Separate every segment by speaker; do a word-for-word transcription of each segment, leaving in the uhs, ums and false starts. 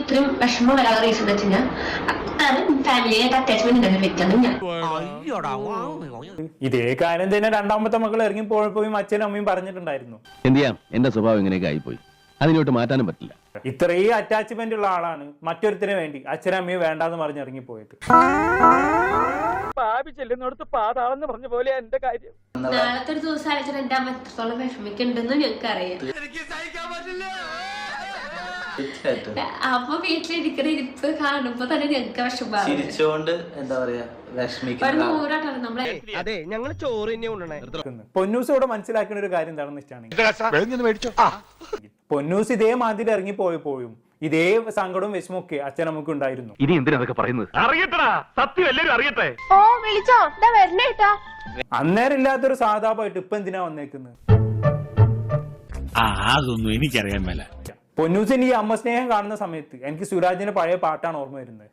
Speaker 1: ഇത്രയും വിഷമം വരാനുള്ള റീസൺ എന്ന് വെച്ച് കഴിഞ്ഞാൽ ഫാമിലിയായിട്ട് അറ്റാച്ച്മെന്റ് ഉണ്ടായിരുന്ന വ്യക്തിയാണ് ഞാൻ.
Speaker 2: ഇതേ കാര്യം തന്നെ രണ്ടാമത്തെ മക്കൾ ഇറങ്ങി പോയപ്പോഴും അച്ഛനും അമ്മയും പറഞ്ഞിട്ടുണ്ടായിരുന്നു.
Speaker 3: എന്ത് ചെയ്യാം, എന്റെ സ്വഭാവം ഇങ്ങനെയൊക്കെ ആയിപ്പോയി, അതിനോട്ട് മാറ്റാനും പറ്റില്ല.
Speaker 2: ഇത്രയും അറ്റാച്ച്മെന്റ് ഉള്ള ആളാണ് മറ്റൊരുത്തിന് വേണ്ടി അച്ഛനും അമ്മയും വേണ്ടാന്ന് പറഞ്ഞ് ഇറങ്ങിപ്പോയത്.
Speaker 4: പാപി ചെല്ലുന്നിടത്ത് പാതാളെന്ന് പറഞ്ഞ പോലെ എന്റെ കാര്യം.
Speaker 1: നാളത്തെ ഒരു ദിവസം അയച്ചാൽ എന്റെ അമ്മ എത്രത്തോളം വിഷമിക്കുന്നുണ്ടെന്ന് ഞങ്ങൾക്ക് അറിയാം. അമ്മ വീട്ടിലിരിക്കുന്ന ഇരിപ്പ് കാണുമ്പോ തന്നെ ഞങ്ങൾക്ക് വിഷമം.
Speaker 5: ചിരിച്ചോണ്ട് എന്താ പറയാ
Speaker 1: നൂറാട്ടാണ് നമ്മളെ.
Speaker 4: അതെ, ഞങ്ങള് ചോറ് തന്നെ കൊണ്ടുവന്നേ.
Speaker 2: പൊന്നൂസ് ഇവിടെ മനസ്സിലാക്കുന്ന ഒരു കാര്യം എന്താണെന്ന് വെച്ചാണെങ്കിൽ, പൊന്നൂസ് ഇതേ മാതിരി ഇറങ്ങി പോയപ്പോഴും ഇതേ സങ്കടവും വിഷമൊക്കെ അച്ഛനമ്മക്ക് ഉണ്ടായിരുന്നു.
Speaker 3: ഇനി എന്തിനാ അതൊക്കെ പറയുന്നത്?
Speaker 4: അറിയട്ടടാ, സത്യം എല്ലാരും അറിയട്ടെ.
Speaker 1: ഓ വിളിച്ചോ, ഇതാ വരണേട്ടാ.
Speaker 2: അന്നേരം ഇല്ലാത്തൊരു സാധാപായിട്ട് ഇപ്പൊ എന്തിനാ വന്നേക്കുന്നത്?
Speaker 6: അതൊന്നും എനിക്കറിയാൻ മേല.
Speaker 2: പൊന്നൂസിന് ഈ അമ്മ സ്നേഹം കാണുന്ന സമയത്ത് എനിക്ക് സുരാജിന്റെ പഴയ പാട്ടാണ് ഓർമ്മ വരുന്നത്.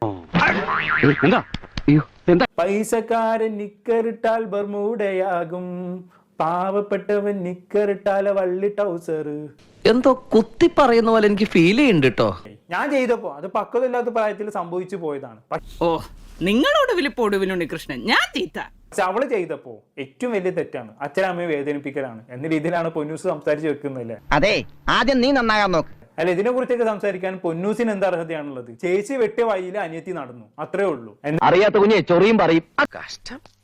Speaker 2: പൈസക്കാരൻ നിക്കറിട്ടാൽ ബർമൂഡയാകും, പാവപ്പെട്ടവൻ നിക്കറിട്ടാല വള്ളി ടൗസർ.
Speaker 7: എന്തോ കുത്തി പറയുന്ന പോലെ എനിക്ക് ഫീൽ ചെയ്യുന്നുണ്ട് കേട്ടോ.
Speaker 2: ഞാൻ ചെയ്തപ്പോ അത് പക്വതയില്ലാത്ത പ്രായത്തിൽ സംഭവിച്ചു പോയതാണ്.
Speaker 8: ഓ, നിങ്ങളോട് പൊടുവിനുണ്ട് കൃഷ്ണൻ, ഞാൻ തീറ്റ.
Speaker 2: പക്ഷെ അവള് ചെയ്തപ്പോ ഏറ്റവും വലിയ തെറ്റാണ് അച്ഛനമ്മയെ വേദനിപ്പിക്കലാണ് എന്ന രീതിയിലാണ് പൊന്നൂസ് സംസാരിച്ച് വെക്കുന്നല്ലേ.
Speaker 7: അതെ, ആദ്യം നീ നന്നാകാൻ നോക്ക്.
Speaker 2: അല്ല, ഇതിനെ കുറിച്ചൊക്കെ സംസാരിക്കാൻ പൊന്നൂസിന് എന്താ അർഹതയാണുള്ളത്? ചേച്ചി വെട്ടിയ വഴിയിൽ അനിയത്തി നടന്നു, അത്രേ ഉള്ളൂ.
Speaker 3: അറിയാത്ത കുഞ്ഞെ ചൊറിയും പറയും. കഷ്ടം.